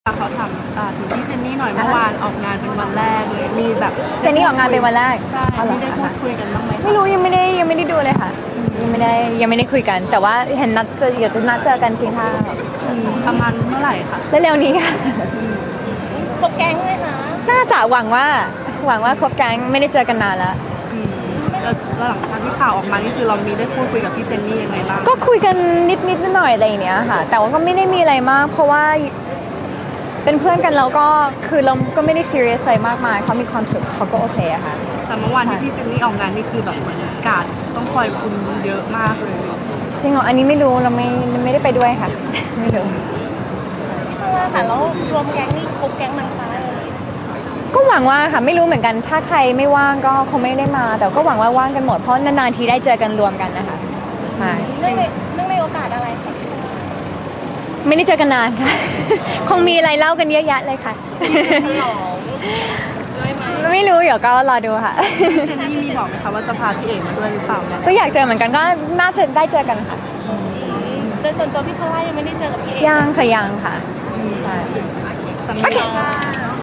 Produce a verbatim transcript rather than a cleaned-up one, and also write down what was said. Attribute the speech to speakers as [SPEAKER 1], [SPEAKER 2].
[SPEAKER 1] เขาถามอ่าถึงพี่เจนนี่หน่อยเมื่อวานออกงานเป็นวันแรกเลยมีแบบ
[SPEAKER 2] เจนนี่ออกงานเป็นวันแรก
[SPEAKER 1] ใช่ไม่ได้พูดคุยกันบ้างไหม
[SPEAKER 2] ไม่รู้ยังไม่ได้ยังไม่ได้ดูเลยค่ะยังไม่ได้ยังไม่ได้คุยกัน แต่ว่าเห็นนัดจะเดี๋ยวจะนัดเจอกันกินข้าว
[SPEAKER 1] ประมาณเมื่อไหร่คะ
[SPEAKER 2] เร็วๆนี้ค่ะ
[SPEAKER 3] ครบแก๊งเลยค่ะ
[SPEAKER 2] น่าจะหวังว่าหวังว่าครบแก๊งไม่ได้เจอกันนานแล้ว
[SPEAKER 1] แล้วหลังจากที่ข่าวออกมานี่คือเรามีได้พูดคุยกับพี่เจนนี่ยังไงบ้าง
[SPEAKER 2] ก็คุยกันนิดนิดหน่อยอะไรอย่างเนี้ยค่ะแต่ว่าก็ไม่ได้มีอะไรมากเพราะว่าเป็นเพื่อนกันแล้วก็คือเราก็ไม่ได้ซีเรียสอะไรมากมายเขามีความสุขเขาก็โอเคอะค่ะ
[SPEAKER 1] แต่เมื่อวานที่พี่เจนนี่ออกงานนี่คือแบบเหมือนการต้องคอยคุมเยอะมากเลย
[SPEAKER 2] จริงเหรออันนี้ไม่รู้เราไม่ไม่ได้ไปด้วยค่ะไม่รู้
[SPEAKER 3] เพราะว่าค่ะแล้วรวมแก๊งนี่ครบแก๊งนางฟ้าเลย
[SPEAKER 2] ก็หวังว่าค่ะไม่รู้เหมือนกันถ้าใครไม่ว่างก็คงไม่ได้มาแต่ก็หวังว่าว่างกันหมดเพราะนานๆทีได้เจอกันรวมกันนะคะใช่
[SPEAKER 3] เนื่องในเนื่องในโอกาสอะไรคะ
[SPEAKER 2] ไม่ได้เจอกันนานค่ะ คงมีอะไรเล่ากันเยอะแยะเลยค่ะไม่รู้เดี๋ยวก็รอดูค่ะ
[SPEAKER 1] เจนนี่มีบอกไหมคะว่าจะพาพี่เอกมาด้วยหรือเปล่า
[SPEAKER 2] ก็อยากเจอเหมือนกันก็น่าจะได้เจอกันค่ะ
[SPEAKER 3] โดยส่วนตัวพี่พลายังไม่ได้เจอกับพี่เอก
[SPEAKER 2] ยังค่ะยังค่ะ
[SPEAKER 1] โอเค